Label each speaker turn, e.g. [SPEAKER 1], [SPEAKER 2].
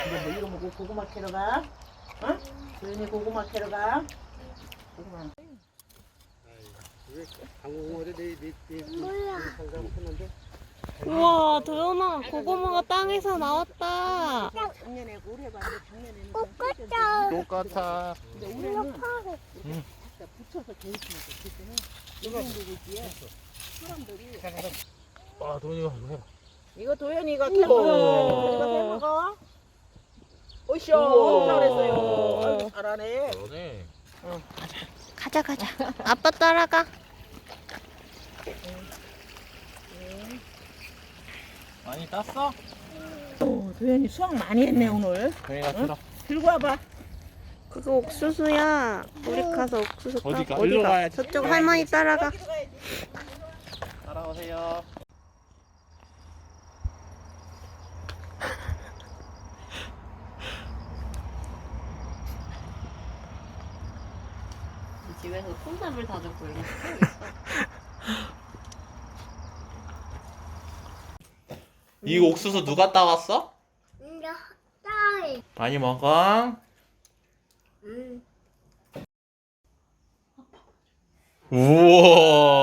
[SPEAKER 1] 이제 뭐 이거 먹고 고구마 캐러 가? 어? 도현이 고구마 캐러 가? 고구마.
[SPEAKER 2] 우와, 도연아, 고구마가 땅에서 나왔다.
[SPEAKER 1] 작년에 올해 봤는데 작년에는
[SPEAKER 3] 똑같아.
[SPEAKER 4] 똑같아.
[SPEAKER 1] 근데 올해는 갖다 붙여서 개입하면 돼. 그때는 이런 거지에 사람들이
[SPEAKER 4] 아, 도현이가 이거 해봐.
[SPEAKER 1] 이거 도현이가 캐먹어. 이거 캐먹어. 오쇼.
[SPEAKER 2] 우와.
[SPEAKER 1] 잘했어요. 아이고, 잘하네.
[SPEAKER 4] 그러네.
[SPEAKER 2] 가자, 가자. 아빠 따라가.
[SPEAKER 4] 많이 땄어?
[SPEAKER 1] 도현이 수학 많이 했네 오늘.
[SPEAKER 4] 도현이가 들어.
[SPEAKER 1] 들고 와봐.
[SPEAKER 2] 그거 옥수수야. 우리 가서 옥수수 따.
[SPEAKER 4] 어디가? 일로 가야지.
[SPEAKER 2] 저쪽 할머니 따라가.
[SPEAKER 1] 여기로 가야지.
[SPEAKER 4] 따라오세요.
[SPEAKER 2] 집에서 콩나물 다 줬고 이거.
[SPEAKER 4] 이 옥수수 누가 따왔어?
[SPEAKER 3] 딸.
[SPEAKER 4] 많이 먹어. 우와.